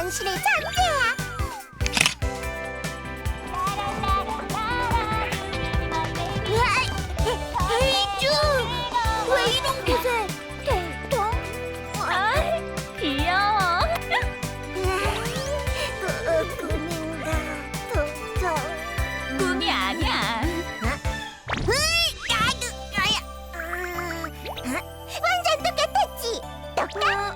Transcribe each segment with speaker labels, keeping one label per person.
Speaker 1: 당신의 존재야. 헤이주, 왜 이런 곳에? 텅텅?
Speaker 2: 귀여워.
Speaker 1: 꿈인가, 텅텅?
Speaker 2: 꿈이 아니야.
Speaker 1: 완전 똑같았지? 똑같?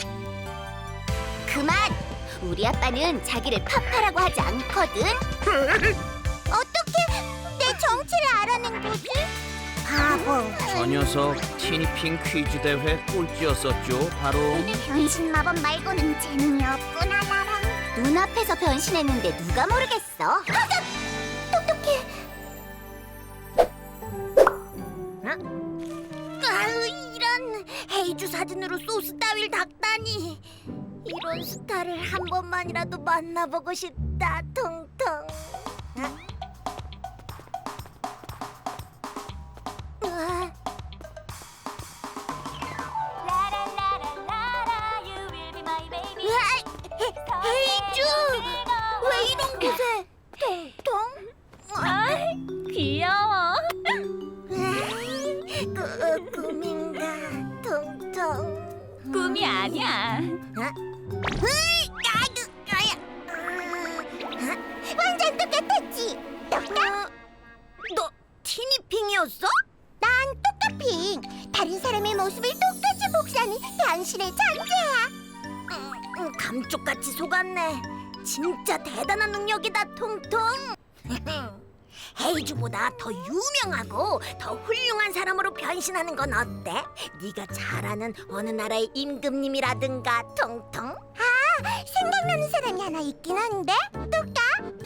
Speaker 1: 그만! 우리 아빠는 자기를 파파라고 하지 않거든. 어떻게 내 정체를 알아낸 거지? 바보.
Speaker 3: 저 녀석 티니핑 퀴즈 대회 꼴찌였었죠. 바로
Speaker 1: 변신 마법 말고는 재능이 없구나 나랑. 눈앞에서 변신했는데 누가 모르겠어? 똑똑해. 아유, 이런 헤이주 사진으로 소스 따위를 닦다니. 이런 스타를 한 번만이라도 만나보고 싶다. 통통. 으아. 으아, 헤이주, 왜 이런 곳에? 통통.
Speaker 2: 귀여워.
Speaker 1: 꿈인가, 통통?
Speaker 2: 꿈이 아니야.
Speaker 1: 완전 똑같았지? 똑같? 너 티니핑이었어? 난 똑같핑. 다른 사람의 모습을 똑같이 복사하는 당신의 존재야. 감쪽같이 속았네. 진짜 대단한 능력이다, 통통. 헤이즈보다 더 유명하고 더 훌륭한 사람으로 변신하는 건 어때? 네가 잘 아는 어느 나라의 임금님이라든가, 통통? 아, 생각나는 사람이 하나 있긴 한데? 똑까?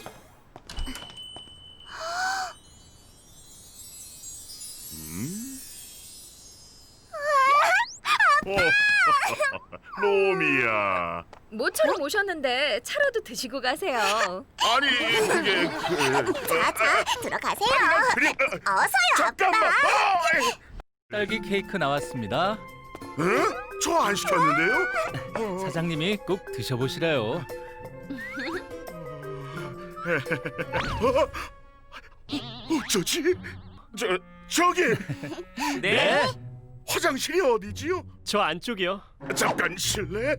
Speaker 4: 놈이야.
Speaker 2: 모처럼 오셨는데 차라도 드시고 가세요.
Speaker 4: 아니 그게
Speaker 1: 자, 들어가세요.
Speaker 4: 그래
Speaker 1: 어서요,
Speaker 4: 잠깐만.
Speaker 1: 아빠.
Speaker 5: 딸기 케이크 나왔습니다.
Speaker 4: 저 안 시켰는데요?
Speaker 5: 사장님이 꼭 드셔보시래요.
Speaker 4: 어쩌지? 저기
Speaker 5: 네?
Speaker 4: 화장실이 어디지요?
Speaker 6: 저 안쪽이요.
Speaker 4: 잠깐 실례.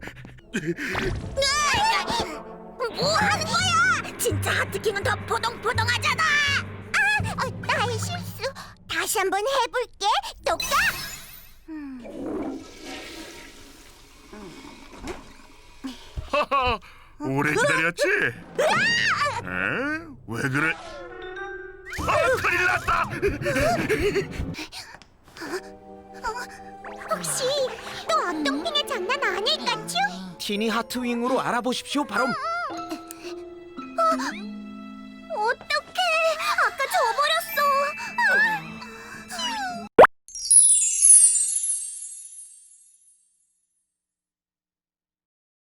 Speaker 1: 뭐 하는 거야? 진짜 하트킹은 더 포동포동하잖아. 나의 실수. 다시 한번 해볼게. 똑까?
Speaker 4: 하하, 오래 기다렸지? 왜 그래? 큰일 났다.
Speaker 1: 혹시 또 어똥핑의 장난 아닐까, 츄?
Speaker 3: 티니 하트윙으로 알아보십시오. 바로